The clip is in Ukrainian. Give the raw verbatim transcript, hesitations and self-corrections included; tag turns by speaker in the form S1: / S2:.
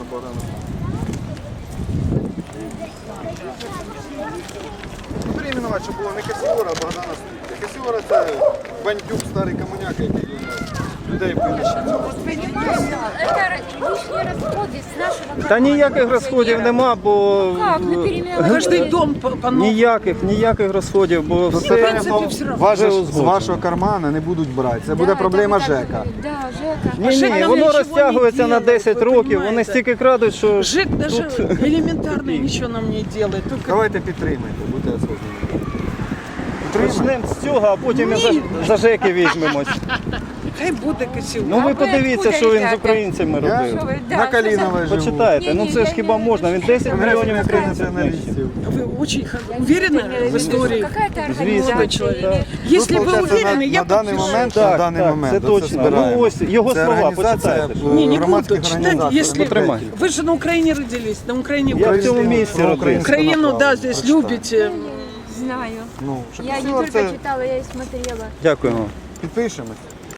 S1: Богдана. Перейменувати, щоб було не Касіора, а Богдана Ступка. Касіора – це бандюк, старий комуняка, який людей винищив.
S2: Это лишние расходы с нашего.
S3: Та ніяких розходів нема, бо
S2: Как? На переменах.
S4: Каждый дом по, по новому.
S3: ніяких, ніяких розходів, бо
S1: Тут
S3: все
S1: питання
S4: принципі,
S1: того,
S4: все равно.
S1: вас же
S3: Вже
S1: з
S3: узгоджено.
S1: вашого кармана не будуть брати. Це
S2: Да,
S1: буде
S2: это
S1: проблема
S2: вы так
S1: ЖЕКа.
S2: говорите. Да, ЖЕКа.
S3: ні, ні,
S4: ЖЕК
S3: воно
S4: нічого
S3: розтягується
S4: не
S3: на
S4: делает,
S3: десять
S4: ви
S3: років, вони
S4: понімаєте?
S3: стільки крадуть, що
S4: ЖЭК даже
S3: тут
S4: элементарно ничего нам не делает. Только
S1: Давайте підтримайте, будьте осознанні.
S3: почнемо з цього, а потім і за, за ЖЕКи візьмемось.
S4: хай буде Косів.
S3: Ну ви
S2: ви
S3: подивіться,
S2: откуда
S3: що він з
S2: взяти?
S3: українцями
S1: Я
S3: робив.
S2: Що ви- да,
S1: на
S2: що за-
S1: Каліновій живу.
S3: Почитайте, ну це ж хіба можна, він десять
S1: Конгрес
S3: мільйонів
S1: українських
S3: українців знищив.
S1: націоналістів.
S4: Вы очень х- уверены в истории?
S2: Какая-то
S3: Звісно,
S2: организация
S3: так.
S2: или...
S4: Если
S1: Тут,
S4: вы
S1: получається,
S4: уверены,
S1: на,
S4: я
S1: на даний
S4: подпишу.
S1: момент,
S3: Так,
S1: на даний
S3: так,
S1: момент,
S3: це
S1: оце
S3: точно.
S1: збираємо.
S3: Ну, ось його
S1: Це
S3: слова,
S1: організація,
S3: почитайте.
S1: е,
S4: Не, не буду
S1: громадських
S4: читать,
S1: організацій.
S4: если
S3: Потримай.
S4: вы же на Украине родились, на Украине
S3: Я в
S4: вы
S3: цьому місці родився.
S4: Украину, да, здесь любите.
S2: Знаю.
S1: Ну, що
S2: Я не
S1: Косіор
S2: только
S1: це
S2: читала, я и смотрела.
S3: Дякуємо.
S1: підпишемось.